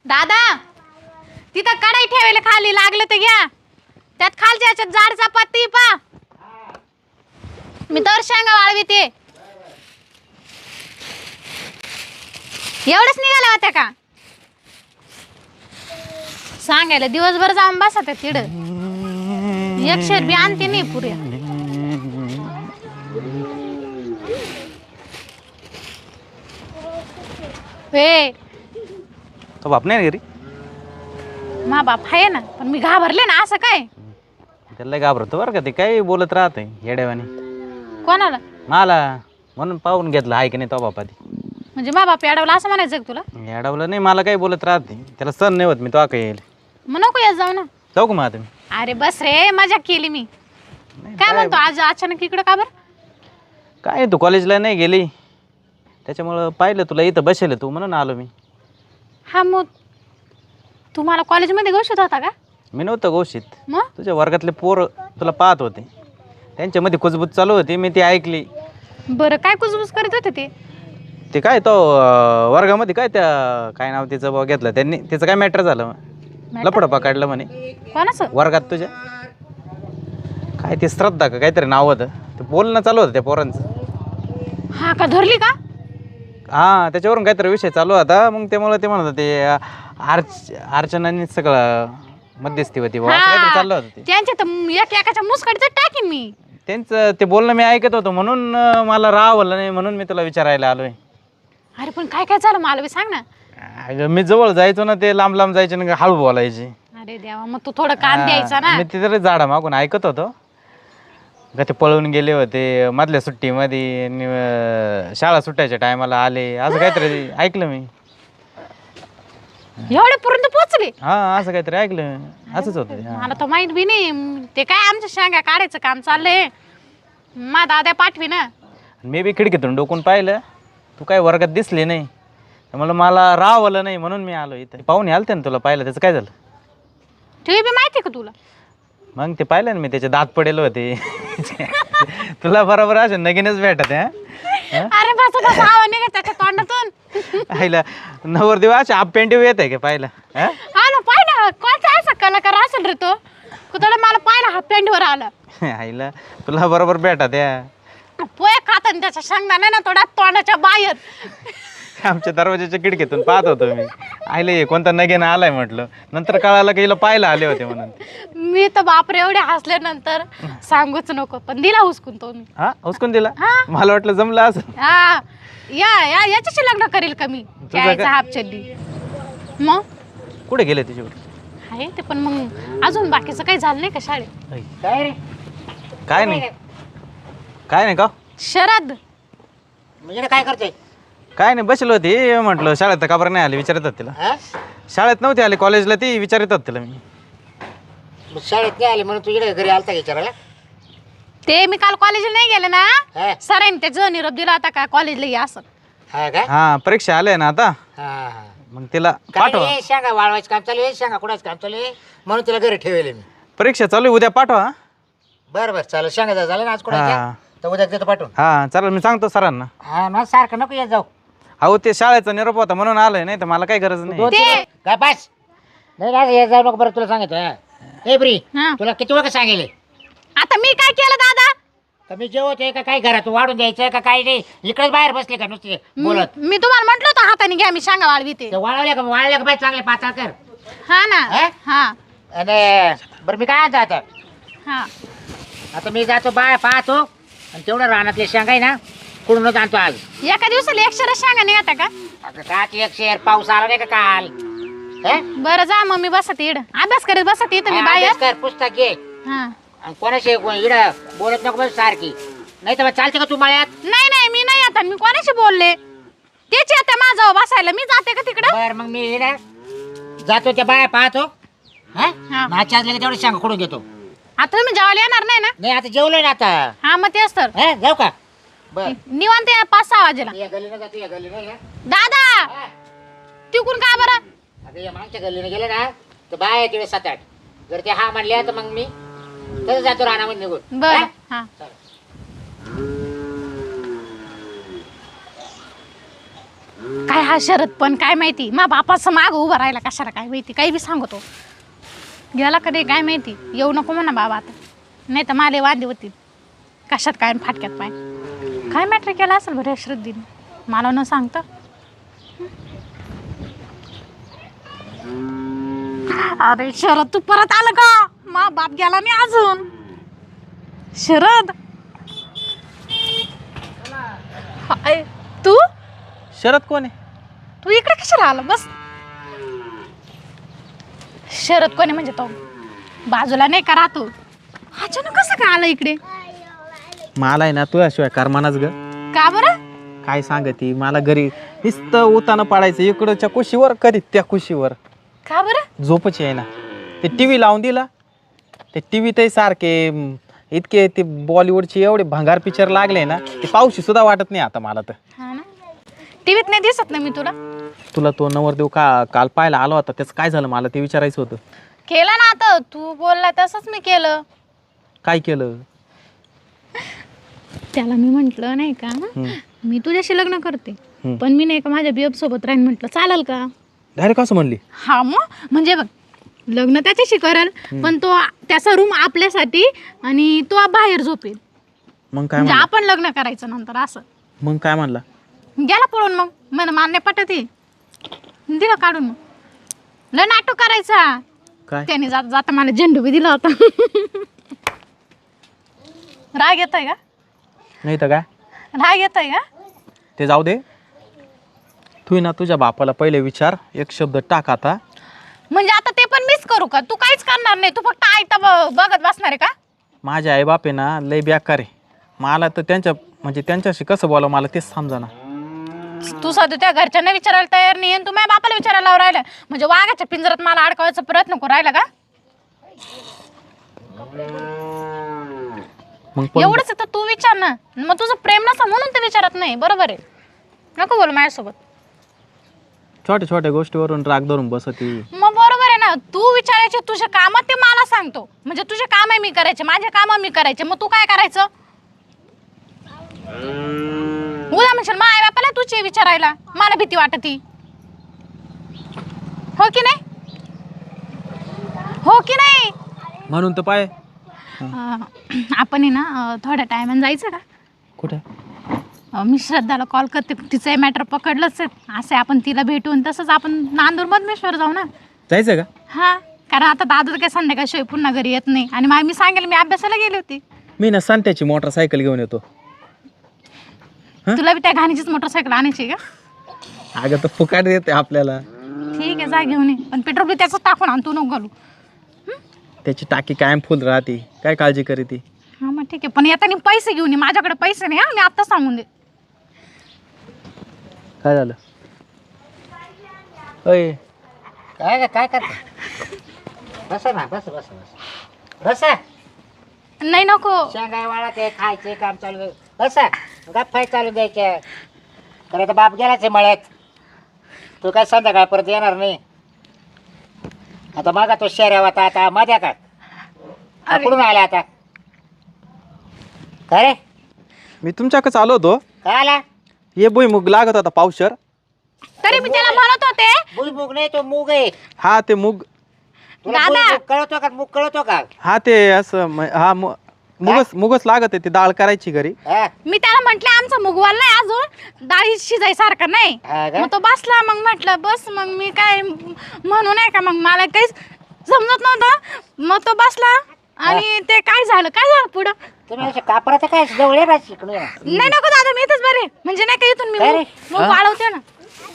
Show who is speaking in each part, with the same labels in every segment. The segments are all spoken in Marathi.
Speaker 1: दादा तिथं कढई ठेवायला खाली लागलं तर घ्या. त्यात खालच्या याच्यात जाड चपाती पा. मी तर शेंगा वाळविते. एवढंच निघालं होत्या का? सांगायला दिवसभर जाऊन बसा त्या तिड. एक शेर बी आणते नाही पुऱ्या. वे
Speaker 2: तो बाप नाही घरी.
Speaker 1: मा बाप आहे ना, पण मी घाबरले ना. असं काय?
Speaker 2: त्याला घाबरतो बरं का, ते काही बोलत राहते येड्यावानी.
Speaker 1: कोणाला?
Speaker 2: मला म्हणून पाहून घेतलं आहे की नाही तो बापा.
Speaker 1: म्हणजे मा बाप अडवला असं म्हणायचं का तुला?
Speaker 2: येडावलं नाही, मला काही बोलत राहते. त्याला सण नाही होत मी तो काही येईल.
Speaker 1: मग नको येत जाऊ ना.
Speaker 2: जाऊ का मग आता मी?
Speaker 1: अरे बस रे, मजा केली मी. काय म्हणतो आज अचानक इकडं का बरं?
Speaker 2: काय तू कॉलेजला नाही गेली त्याच्यामुळं पाहिलं तुला इथं बसेल तू म्हणून आलो मी.
Speaker 1: हा मग तुम्हाला कॉलेजमध्ये गोष्ट होता का?
Speaker 2: मी नव्हतं गोष्टीत.
Speaker 1: मग
Speaker 2: तुझ्या वर्गातले पोर तुला पाहत होते, त्यांच्यामध्ये कुजबूज चालू होती, मी ती ऐकली.
Speaker 1: बरं काय कुजबुज करत होते ते?
Speaker 2: ते काय तो वर्गामध्ये काय त्या काय नाव तिचं भाऊ घेतलं त्यांनी, तिचं काय मॅटर झालं लपडं पकडलं म्हणे
Speaker 1: कोणाचं?
Speaker 2: वर्गात तुझ्या. काय ते श्रद्धा का काहीतरी नाव होतं, ते बोलणं चालू होतं त्या पोरांचं.
Speaker 1: हा का, धरली का?
Speaker 2: हां त्याच्यावरून काहीतरी विषय चालू होता. मग त्यामुळे ते म्हणत होते अर्चनाने सगळं मध्यस्थी होती असं काहीतरी चाललं होतं ते.
Speaker 1: त्यांच्या तर एकाच्या मुसकडीचं टाकीन मी.
Speaker 2: त्यांचं ते बोलणं मी ऐकत होतो म्हणून मला रावलं नाही, म्हणून मी तुला विचारायला आलोय.
Speaker 1: अरे पण काय काय झालं मला बी सांग ना.
Speaker 2: अगं मी जवळ जायचो ना, ते लांब लांब जायचे ना, हळू बोलायचे.
Speaker 1: अरे देवा, मग तू थोडं कान द्यायचा ना.
Speaker 2: मी तिथे झाडा मागून ऐकत होतो का ते पळून गेले होते मधल्या सुट्टीमध्ये आणि शाळा सुटायच्या टायमाला आले, असं काहीतरी ऐकलं मी.
Speaker 1: एवढ्यापर्यंत पोहोचले?
Speaker 2: हा असं काहीतरी ऐकलं, असंच होतं ते.
Speaker 1: मला तर माहित बी नाही. ते काय आमच्या शेंगा काढायचं काम चाललंय. मा दादा पाठवी ना.
Speaker 2: मी बी खिडकीतून डोकून पाहिलं, तू काय वर्गात दिसली नाही, त्यामुळे मला रावलं नाही म्हणून मी आलो इथं. पाहुणे आलते ना तुला पाहिलं, त्याचं काय झालं?
Speaker 1: ते बी माहिती का तुला?
Speaker 2: मग ते पाहिलं ना मी, त्याचे दात पडेल होते. तुला बरोबर असे नगीनच भेटत आहे.
Speaker 1: अरे बस बस, आवाज निघत त्याच्या तोंडातून.
Speaker 2: आईला नवरदेव असे आप पेंटिव येत आहे का पाहिलं?
Speaker 1: हा ना, पाय ना कोणता असा कलाकार असेल रे तो. कुठला मला पाहिला हाफ पॅन्टवर आला.
Speaker 2: आईला तुला बरोबर भेटत आहे.
Speaker 1: पोहे खाताना त्याच्या शेंगदाणा ना थोडा तोंडाच्या बाहेर.
Speaker 2: आमच्या दरवाजाच्या खिडकीतून पाहत होतो मी. आईला हे कोणता नगेनं आलाय म्हटलं, नंतर कळालं की हिला पाहायला आले होते म्हणून.
Speaker 1: मी तर बापरे एवढे हसल्यानंतर सांगूच नको, पण दिला हुसकून तो मी.
Speaker 2: हा हुसकून दिला?
Speaker 1: हा.
Speaker 2: मला वाटलं जमलं असं.
Speaker 1: हा याच्याशी लग्न करील का मी? यायचा हाफ चड्डी. मग
Speaker 2: कुठे गेले तुझ्यावर?
Speaker 1: आहे ते, पण मग अजून बाकीचं काही झालं नाही का शाळेत?
Speaker 3: काय रे?
Speaker 2: काय नाही काय नाही का
Speaker 1: शरद
Speaker 3: म्हणजे काय करतोय?
Speaker 2: काय नाही बसलो होती, म्हटलं शाळेत का बरं नाही आली विचारतात तिला.
Speaker 3: हा?
Speaker 2: शाळेत नव्हती आली, कॉलेजला ती विचारतात तिला मी.
Speaker 3: मग शाळेत नाही आली म्हणून तुझ्या घरी आलता का विचारायला?
Speaker 1: ते मी काल कॉलेजला नाही गेले ना,
Speaker 3: हा?
Speaker 1: सरांनी त्याचा निरोप दिला होता का कॉलेजला या असं.
Speaker 3: हा का?
Speaker 2: हा परीक्षा आल्या ना आता,
Speaker 3: हा हा.
Speaker 2: मग तिला
Speaker 3: काय
Speaker 2: पाठवा.
Speaker 3: नाही, शेंगा वाळवायचं काम चालू आहे, शेंगा कुणाचं काम चालू आहे म्हणून तिला घरी ठेवले मी.
Speaker 2: परीक्षा चालू आहे, उद्या पाठवा.
Speaker 3: बरं बरं चालेल, शेंगा झालं ना आज कुणाच्या
Speaker 2: हा
Speaker 3: तर उद्या देतो पाठवून.
Speaker 2: हा चालेल, मी सांगतो सरांना.
Speaker 3: हा ना, सारखं नको येत जाऊ.
Speaker 2: अहो ते शाळेचा निरोप होता म्हणून आलोय, नाही तर मला काही गरज नाही.
Speaker 3: काय पास नाही ना, येत जाऊ नको. बरं तुला सांगतो. ए ब्री,
Speaker 1: हा.
Speaker 3: तुला किती वेळ सांगेल
Speaker 1: आता मी काय केलं दादा?
Speaker 3: का मी जेवतोय का काय घरात वाढून द्यायचं का काय नाही? इकडेच बाहेर बसले का नुसते बोलत?
Speaker 1: मी तुम्हाला म्हटलं होतं हाताने घ्या, मी शेंगा वाळविते.
Speaker 3: ते वाळल्या का बाई चांगले पातळ कर.
Speaker 1: हा ना.
Speaker 3: हा?
Speaker 1: हा
Speaker 3: आणि बरं मी काय आणतो आता?
Speaker 1: हा
Speaker 3: आता मी जातो बाय पाहतो आणि तेवढं रानातले शेंगा आहे ना कुठूनच आणतो आज.
Speaker 1: एका दिवसाला 100 शेंगा निघता का?
Speaker 3: आता का एक शेर पाऊस आला नाही का काल? हे?
Speaker 1: बरं जा मग, मी बसत इड अभ्यास करत बसत इथं मी बाहेर.
Speaker 3: अभ्यास कर, पुस्तक घे
Speaker 1: हा.
Speaker 3: आणि कोणाशी इड बोलत नको बस सारखी. नाही तर मग चालते का तू मळ्यात?
Speaker 1: नाही नाही, मी नाही आता. मी कोणाशी बोलले? तेच येते माझं बसायला, मी जाते का तिकडं?
Speaker 3: बर मग मी इड जातो त्या बाया पाहतो.
Speaker 1: हा.
Speaker 3: नाच्या असले तेवढे शेंगा कुठून घेतो.
Speaker 1: आता तुम्ही जेवायला येणार नाही ना?
Speaker 3: नाही आता जेवलोय ना आता.
Speaker 1: हा मग तेच तर.
Speaker 3: हे जाऊ का? बर
Speaker 1: निवांत 5-6 वाजेला.
Speaker 3: या गल्लीनं जातो, या गल्लीनं या.
Speaker 1: दादा
Speaker 3: हा.
Speaker 1: तिकून का बरं?
Speaker 3: आता या मागच्या गल्लीनं गेले ना तर बाया आहे तिकडे 7-8. जर ते हा म्हणले तर मग मी तसं जातो रानामध्ये निघून.
Speaker 1: बरं.
Speaker 3: हा?
Speaker 1: हा
Speaker 3: चला.
Speaker 1: काय हा शरद पण काय माहिती मा बापाचं माग उभं राहिला कशाला काय माहिती काही बी सांगतो गेला कधी काय माहिती येऊ नको म्हणा बाबा आता नाही तर माले वांदे होतील कशात काय आणि फाटक्यात पाय काय मॅटर केला असेल बरं श्रद्धीने मला न सांगता अरे शरद तू परत आलं का मा बाप गेला नाही अजून शरद हाय, तू
Speaker 2: शरद कोण आहे?
Speaker 1: तू इकडे कशाला आला बस शरद कोणी म्हणजे तो बाजूला नाही का राहतो अचानक कसं काय आला इकडे
Speaker 2: मला आहे ना तुझ्याशिवाय करमानाच ग.
Speaker 1: का बरं
Speaker 2: काय सांगती मला घरी नुसतं उतानं पाडायचं इकडच्या कुशीवर कधी त्या कुशीवर
Speaker 1: का बरं
Speaker 2: झोपच आहे ना. ते टी व्ही लावून दिला ते टी व्ही ते सारखे इतके ते बॉलिवूडचे एवढे भंगार पिक्चर लागले ना ते पाऊशी सुद्धा वाटत नाही आता मला तर.
Speaker 1: हा ना टीव्हीत नाही दिसत ना मी तुला
Speaker 2: तुला तो नवरदेव काल पाहायला आला होता त्याचं काय झालं मला ते विचारायचं होतं.
Speaker 1: केलं ना आता तू बोलला तसंच मी केलं
Speaker 2: काय केलं?
Speaker 1: त्याला मी म्हंटल नाही का मी तुझ्याशी लग्न करते पण मी नाही का माझ्या बियब सोबत राहीन म्हटलं चालेल का
Speaker 2: डायरेक्ट असं म्हणली?
Speaker 1: हा मग म्हणजे बघ लग्न त्याच्याशी करेल पण तो त्याचा रूम आपल्यासाठी आणि तो बाहेर झोपेल
Speaker 2: मग काय
Speaker 1: म्हणजे
Speaker 2: म्हणला?
Speaker 1: आपण लग्न करायचं नंतर असं
Speaker 2: मग काय म्हणला?
Speaker 1: गेला पळून मग मला मान्य पटत दिलं काढून मग लय नाटक करायचा
Speaker 2: काय
Speaker 1: त्याने जाता जाता मला झेंडू बी दिला होता राग येतोय का
Speaker 2: नाही तर काय
Speaker 1: राग येतोय का
Speaker 2: ते जाऊ दे. तू ना तुझ्या बापाला पहिले विचार एक शब्द टाक आता.
Speaker 1: म्हणजे आता ते पण मिस करू का तू काहीच करणार नाही तू फक्त ऐकता बघत बसणार आहे का
Speaker 2: माझे आईबाप आहे ना लय बेकार आहे. मला तर त्यांच्याशी कसं बोलावं मला तेच समजा.
Speaker 1: तू सध्या त्या घरच्यांना विचारायला तयार नाही आणि तू माझ्या बापाला विचारायला लावून राहिला म्हणजे वाघाच्या पिंजरात मला अडकवायचा प्रयत्न करू राहिला का
Speaker 2: मग
Speaker 1: एवढंच तर तू विचार ना मग तुझं प्रेम नसा म्हणून ते विचारत नाही बरोबर आहे नको बोल माझ्यासोबत
Speaker 2: छोट्या छोट्या गोष्टीवरून राग धरून बसती.
Speaker 1: मग बरोबर आहे ना तू विचारायचे तुझे काम ते मला सांगतो म्हणजे तुझे काम आहे मी करायचे माझे काम मी करायचे मग तू काय करायचं उद्या म्हणशील मा आई बापाला तुझे विचारायला मला भीती वाटती हो की नाही हो की नाही
Speaker 2: म्हणून तर पाय
Speaker 1: आपण आहे ना थोड्या टायमाने जायचं का
Speaker 2: कुठे
Speaker 1: मी श्रद्धाला कॉल करते तिचं मॅटर पकडलंच आहे असे आपण तिला भेटून तसंच आपण नांदूर मधमेश्वर जाऊ ना
Speaker 2: जायचं का?
Speaker 1: हा कारण आता दादा काय संध्याकाळशिवाय पुन्हा घरी येत नाही आणि मी सांगेल मी अभ्यासाला गेली होती
Speaker 2: मी ना संत्याची मोटरसायकल घेऊन येतो.
Speaker 1: तुला बी त्या घाणीचीच मोटरसायकल आणायची का
Speaker 2: अगं तर फुकाट देते आपल्याला.
Speaker 1: ठीक आहे जा घेऊन ये पण पेट्रोल बी त्याचं टाकून आण तू नको घालू
Speaker 2: त्याची टाकी कायम फुल राहते काय काळजी करी ती.
Speaker 1: हा मग ठीक आहे पण येताना पैसे घेऊन ये माझ्याकडे पैसे नाही हा मी आत्ता सांगून दे
Speaker 2: काय झालं? अय
Speaker 3: काय करता बसा ना बस बस बस बसा
Speaker 1: नाही नको
Speaker 3: शेंगाय वाळा ते खायचे काम चालू आहे. बसा गप्पा चालू द्यायच्या खरं तर बाप गेलाच आहे मळ्यात तू काय संध्याकाळ परत येणार नाही आता मागा तो शेऱ्या होता आता मध्या का कुठून आला आता काय रे
Speaker 2: मी तुमच्याकडे आलो होतो.
Speaker 3: काय आला
Speaker 2: ये भुईमुग लागत होता पावशर.
Speaker 1: तरी मी त्याला म्हणत होते
Speaker 3: भुईमुग नाही तो मूग आहे
Speaker 2: हा ते मूग
Speaker 3: तुला
Speaker 1: दादा.
Speaker 3: भुईमुग कळतो का मूग कळतो का
Speaker 2: हा ते असं हा मुगच लागत आहे ती डाळ करायची घरी.
Speaker 3: हा?
Speaker 1: मी त्याला म्हंटले आमचा मुगवाल नाही अजून डाळी शिजायसारखा नाही
Speaker 3: हा का?
Speaker 1: मग तो बसला मग म्हटलं बस मग मी काय म्हणू नाही का मग मला काहीच समजत नव्हतं मग तो बसला आणि ते काय झालं पुढं
Speaker 3: तुम्ही असे कापराचं काय जवळ आहे शिकणं
Speaker 1: नाही नको दादा मी इथंच बरे म्हणजे नाही का इथून मी
Speaker 3: काय रे?
Speaker 1: मग वाळवते ना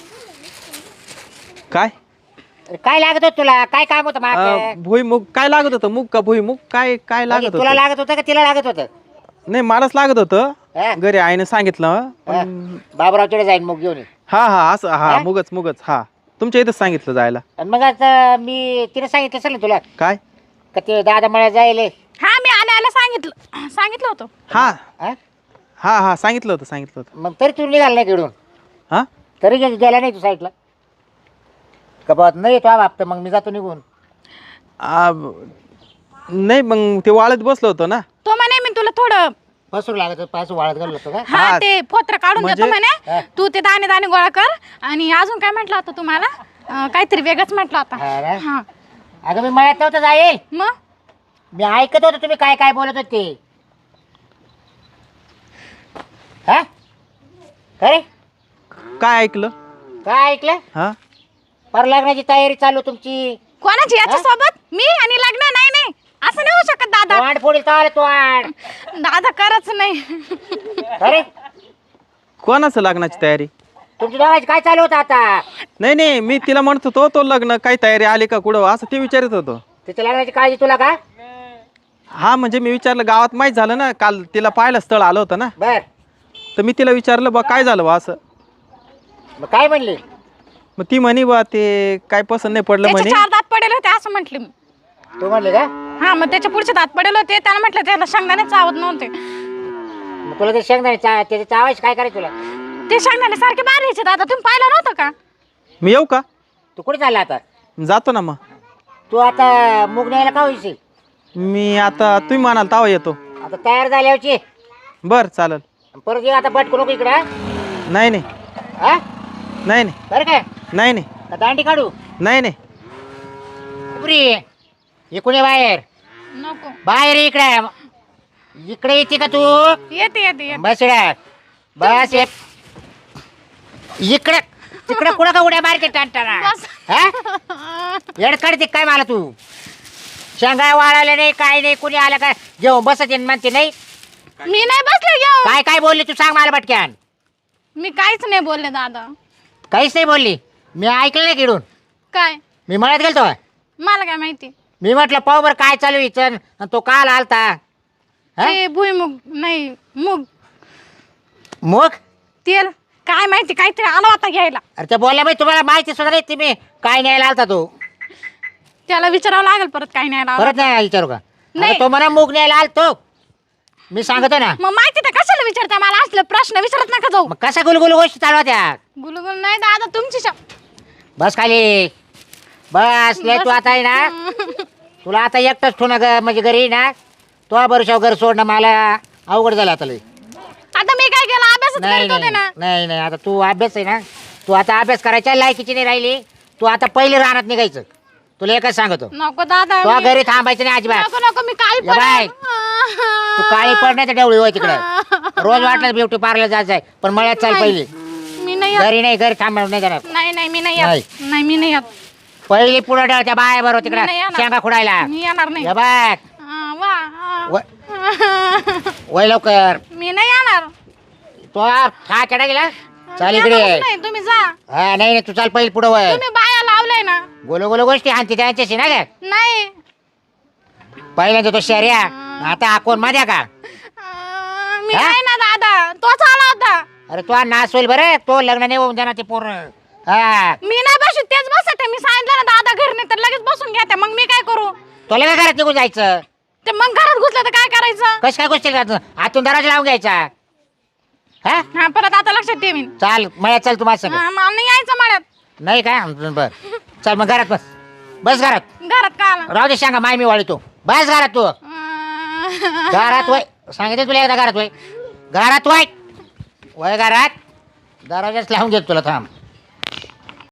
Speaker 2: काय
Speaker 3: काय लागत होत तुला काय काम होतं माग
Speaker 2: भुईमुग काय लागत होतं मूग का भुईमुग काय काय लागत
Speaker 3: तुला
Speaker 2: होतं?
Speaker 3: लागत होतं का तिला लागत होतं
Speaker 2: नाही मलाच लागत होतं.
Speaker 3: हा?
Speaker 2: घरी आईने सांगितलं
Speaker 3: हा. बाबरावकडे जाईन मूग घेऊन ये.
Speaker 2: हा असं हा
Speaker 3: हा?
Speaker 2: मुगच हा तुमच्या इथंच सांगितलं जायला.
Speaker 3: आणि मग आता मी तिने सांगितलं असेल ना तुला
Speaker 2: काय
Speaker 3: का ते दादा मला जायले
Speaker 1: हा मी आल्या सांगितलं होतं
Speaker 2: हा
Speaker 3: हा?
Speaker 2: हा सांगितलं होतं
Speaker 3: मग तरी तू निघाल नाही घेऊन
Speaker 2: हा
Speaker 3: तरी गेला नाही तू साईडला का बात नाही तो बाप मग मी जातो निघून
Speaker 2: नाही मग ते वाळत बसलो होतो ना.
Speaker 1: तो म्हणे मी तुला थोडं
Speaker 3: पसरू लागत पास वाळत घालू लागतो का
Speaker 1: हा ते पोत्र काढून देतो
Speaker 2: म्हणजे-
Speaker 1: म्हणे तू ते दाणे दाणे गोळा कर आणि अजून काय म्हटलं होतं तुम्हाला काहीतरी वेगळंच म्हटलं होतं
Speaker 3: हा ना?
Speaker 1: हा
Speaker 3: अगं मी मळ्यात नव्हतं जाईल
Speaker 1: मग
Speaker 3: मी ऐकत होतो तुम्ही काय काय बोलत होते हा अरे
Speaker 2: काय ऐकलं
Speaker 3: काय ऐकलं
Speaker 2: हा
Speaker 3: पर लग्नाची तयारी चालू तुमची
Speaker 1: कोणाची याच्या सोबत मी आणि लग्न नाही नाही असं नाही होऊ शकत दादा
Speaker 3: वाढ फोडील तर तो वाढ
Speaker 1: दादा करच नाही
Speaker 3: अरे
Speaker 2: कोणाचं लग्नाची तयारी
Speaker 3: तुमची दोघांची काय चालू होतं आता
Speaker 2: नाही नाही मी तिला म्हणत होतो तो लग्न काही तयारी आली का कुठं असं ते विचारत होतो
Speaker 3: तिच्या लग्नाची काळजी तुला का
Speaker 2: हा म्हणजे मी विचारलं गावात माहीत झालं ना काल तिला पाहायला स्थळ आलं होतं ना
Speaker 3: बर
Speaker 2: तर मी तिला विचारलं बा काय झालं बा असं
Speaker 3: मग काय म्हणली
Speaker 2: मग ती म्हणे बा ते काय पसंत नाही पडलं
Speaker 1: त्याचे
Speaker 2: म्हणे
Speaker 1: 4 दात पडेल होते असं म्हटले मी
Speaker 3: तू म्हणली का
Speaker 1: हा मग त्याच्या पुढचे दात पडेल होते त्याला म्हटलं त्याला शेंगदाणे चावत नव्हते
Speaker 3: मग तुला ते शेंगदाणे त्याचे चावायचे काय करायचं तुला
Speaker 1: ते शेंगदाणे सारखे बाहेरचे दादा तुम्ही पाहिलं नव्हतं का
Speaker 2: मी येऊ का
Speaker 3: तू कुठे चालला आता
Speaker 2: जातो ना मग
Speaker 3: तू आता मूग न्यायला का होईशील
Speaker 2: मी आता तुम्ही म्हणाल तावा येतो
Speaker 3: आता तयार झाल्यावरची
Speaker 2: बर चालेल
Speaker 3: परत ये आता बटकू नको इकडं हा?
Speaker 2: नाही नाही
Speaker 3: हा
Speaker 2: नाही नाही
Speaker 3: बरं काय
Speaker 2: नाही नाही
Speaker 3: का दांडी काढू
Speaker 2: नाही नाही
Speaker 3: पुरी इकडे ये बाहेर
Speaker 1: नको
Speaker 3: बाहेर ये इकडे इकडे येते का तू
Speaker 1: येते येते येते
Speaker 3: बस इकडे बस ये इकडे तिकडे कुठं का उड्या मारते टाणटाणा
Speaker 1: बस.
Speaker 3: हा येड काढते काय मला तू शेंगा वाळायला नाही काय नाही कुणी आलं काय जेवण बसत म्हणते नाही
Speaker 1: मी नाही बसले घेऊ
Speaker 3: काय काय बोलली तू सांग मला पटक्यान
Speaker 1: मी काहीच नाही बोलले दादा
Speaker 3: काहीच नाही बोलली मी ऐकलं नाही किडून
Speaker 1: काय
Speaker 3: मी मळ्यात गेलतो
Speaker 1: मला काय माहिती
Speaker 3: मी म्हटलं पाहू बरं काय चालू इथं आणि तो काल आलता हा?
Speaker 1: ते भुईमुग नाही मूग
Speaker 3: मग
Speaker 1: तेल काय माहिती काहीतरी आला होता घ्यायला
Speaker 3: अरे ते बोलल्या बाई तुम्हाला माहिती सुद्धा नाही तुम्ही काय न्यायला आलता तो
Speaker 1: त्याला विचारावं लागेल परत काही नाही आला
Speaker 3: परत नाही विचारू का
Speaker 1: नाही.
Speaker 3: अरे तो मला मूग न्यायला आलतो मी सांगतो ना
Speaker 1: मग माहिती तर कशाला विचारता मला असले प्रश्न विचारत नका जाऊ
Speaker 3: मग कसा गुलगुल गोष्टी चालू होत्या
Speaker 1: गुलगुल नाही दादा तुमची
Speaker 3: बस खाली बस लय तू आता आहे ना तुला आता एकटंच ठेवणं म्हणजे घरी ना तो बरोबर घर सोडणं मला अवघड झालं आता लय
Speaker 1: आता मी काय केलं अभ्यासच
Speaker 3: नाही
Speaker 1: करत होते
Speaker 3: नाही
Speaker 1: ना
Speaker 3: नाही नाही आता तू अभ्यास आहे ना तू आता अभ्यास करायच्या लायकीची नाही राहिली तू आता पहिले रानात निघायचं तुला एकच सांगतो
Speaker 1: नको दादा
Speaker 3: तू
Speaker 1: मी-
Speaker 3: घरी थांबायचं नाही अजिबात
Speaker 1: नको नको मी काळी
Speaker 3: या बाय.
Speaker 1: पडेल.
Speaker 3: तू काळी पडण्याचं डेवळी होय तिकडं रोज वाटलं ब्युटी पार्लर जायचं आहे पण मळ्यात चाल पहिली
Speaker 1: मी नाही येत.
Speaker 3: घरी नाही घरी थांबणार नाही जाणार
Speaker 1: नाही नाही मी नाही येत नाही मी नाही येत
Speaker 3: पहिली पुढे ठेव त्या बाय बरोबर
Speaker 1: मी
Speaker 3: तिकडं
Speaker 1: नाही येणार.
Speaker 3: शेंगा खुडायला
Speaker 1: मी येणार नाही
Speaker 3: या बाय
Speaker 1: वा
Speaker 3: वय लवकर
Speaker 1: मी नाही येणार
Speaker 3: तो हा केडा गेला चाल इकडे
Speaker 1: येणारच नाही तुम्ही जा
Speaker 3: हा नाही नाही तू चाल पहिली पुढे वय
Speaker 1: तुम्ही बाया लावलाय ना
Speaker 3: गोलो गोलो गोष्टी आणते त्यांच्याशी ना काय
Speaker 1: नाही
Speaker 3: पहिल्यांदा तो शर्या आता कोण माझ्या का
Speaker 1: मी
Speaker 3: हा?
Speaker 1: नाही ना दादा तोच आला होता
Speaker 3: अरे तो नाच होईल बरं तो लग्न नाही होऊन देणार ते पूर्ण हा
Speaker 1: मी नाही बसू तेच बसते मी सांगितलं ना दादा घरी नाही तर लगेच बसून घ्या मग मी काय करू
Speaker 3: तुला काय घरात निघून जायचं
Speaker 1: ते मग घरात घुसलं तर काय करायचं
Speaker 3: कश काय गोष्टी करतो आतून दरवाजा लावून घ्यायचा हा
Speaker 1: हा परत आता लक्षात ठेवीन
Speaker 3: चाल मळ्यात चल तू माझ्या संग.
Speaker 1: मला नाही यायचं म्हणत
Speaker 3: नाही काय बर चल मग घरात बस बस घरात
Speaker 1: घरात का आला
Speaker 3: राहू दे सांगा माय मी वाळीतो बस घरात तू घरात वय सांगितलं तुला एकदा घरात वय घरात वय वय घरात दरवाजाच लावून घेतो तुला थांब